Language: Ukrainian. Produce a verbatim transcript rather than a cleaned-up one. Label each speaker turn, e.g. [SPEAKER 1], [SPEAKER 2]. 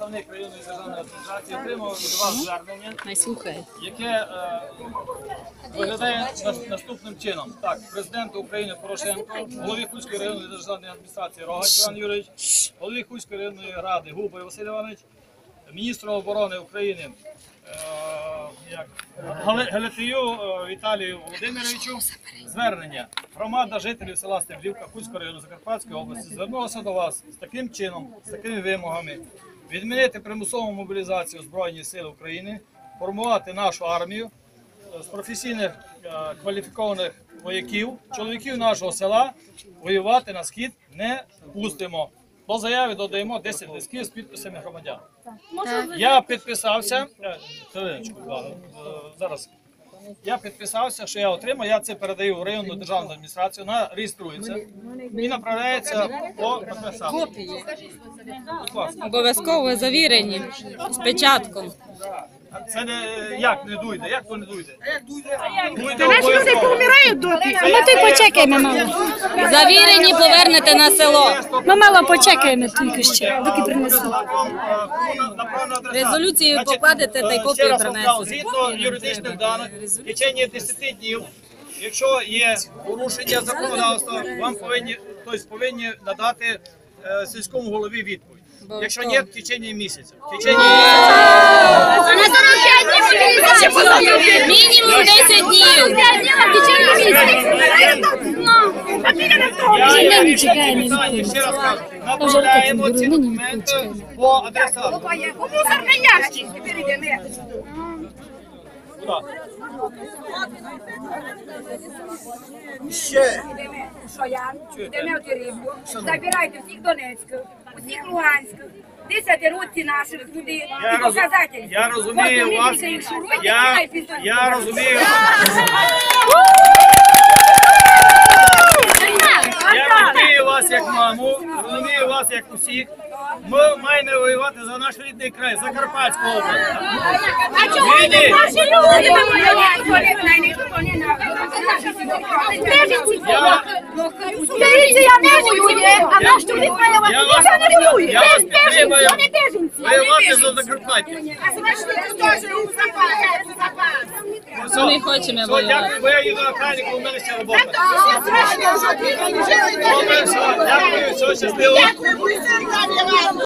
[SPEAKER 1] Представник районної державної адміністрації отримав від вас звернення, яке е, виглядає нас- наступним чином. Так, президенту України Порошенко, голові Хуцької районної державної адміністрації Рогач Іван Юрійович, голові Хуцької районної ради Губай Василь Іванович, міністру оборони України е, як, Гале- Галетію е, Віталію Володимировичу. Звернення. Громада жителів села Стеблівка Хуцького району Закарпатської області звернулася до вас з таким чином, з такими вимогами: відмінити примусову мобілізацію Збройних сил України, формувати нашу армію з професійних е, кваліфікованих вояків, чоловіків нашого села воювати на схід не пустимо. До заяви додаємо десять листків з підписами громадян. Я підписався, е, хвилиночку, увагу, е, зараз. Я підписався, що я отримав, я це передаю в районну державну адміністрацію, вона реєструється і направляється по підписанню.
[SPEAKER 2] Обов'язково завірені з печатком.
[SPEAKER 1] Це не як не дуйде, як то не дуйде? Дуйде
[SPEAKER 3] Наші люди
[SPEAKER 1] обов'язково.
[SPEAKER 3] помирають доти, а ми тут почекаємо, мало.
[SPEAKER 2] Завірені повернете на село.
[SPEAKER 3] Ми мало почекаємо тільки ще, доки принесуть.
[SPEAKER 2] Резолюцію покладете та й копію принесете.
[SPEAKER 1] Згідно юридичних даних, в течение десяти днів, якщо є порушення законодавства, вам повинні, тобто повинні надати е, сільському голові відповідь. Якщо ні, в течение місяця. В течение
[SPEAKER 2] Мінімум десять днів.
[SPEAKER 1] Я не чекаю, ще раз кажу, направляємо ці документи по адресату.
[SPEAKER 3] У мусорний ящик перейдемо.
[SPEAKER 1] Куди?
[SPEAKER 4] Ще. Що я? Йдемо в Теребку, забирайте всіх Донецьких, усіх Луганських, десятироці наших людей
[SPEAKER 1] Я,
[SPEAKER 4] і
[SPEAKER 1] роз...
[SPEAKER 4] показателі.
[SPEAKER 1] я розумію вас, я, я розумію, я розумію вас як маму, розумію вас як усіх. Ми маємо воювати за наш рідний край, Закарпатську область.
[SPEAKER 4] А чому ви
[SPEAKER 1] Війни.
[SPEAKER 4] наші люди вимагають? Біженці я не воює, а наш чоловік має вас.
[SPEAKER 1] Я вас,
[SPEAKER 4] Ніхто не воює.
[SPEAKER 1] я вас
[SPEAKER 4] Без біженців,
[SPEAKER 1] підтримую
[SPEAKER 4] вони біженці.
[SPEAKER 1] воювати за Закарпаття.
[SPEAKER 4] А значить, ви теж у запас, у запас.
[SPEAKER 2] Ми хочемо
[SPEAKER 1] Все,
[SPEAKER 2] воювати.
[SPEAKER 1] дякую, бо я їду на крайнику, у мене ще робота. Добре, все, дякую, все, щасливо.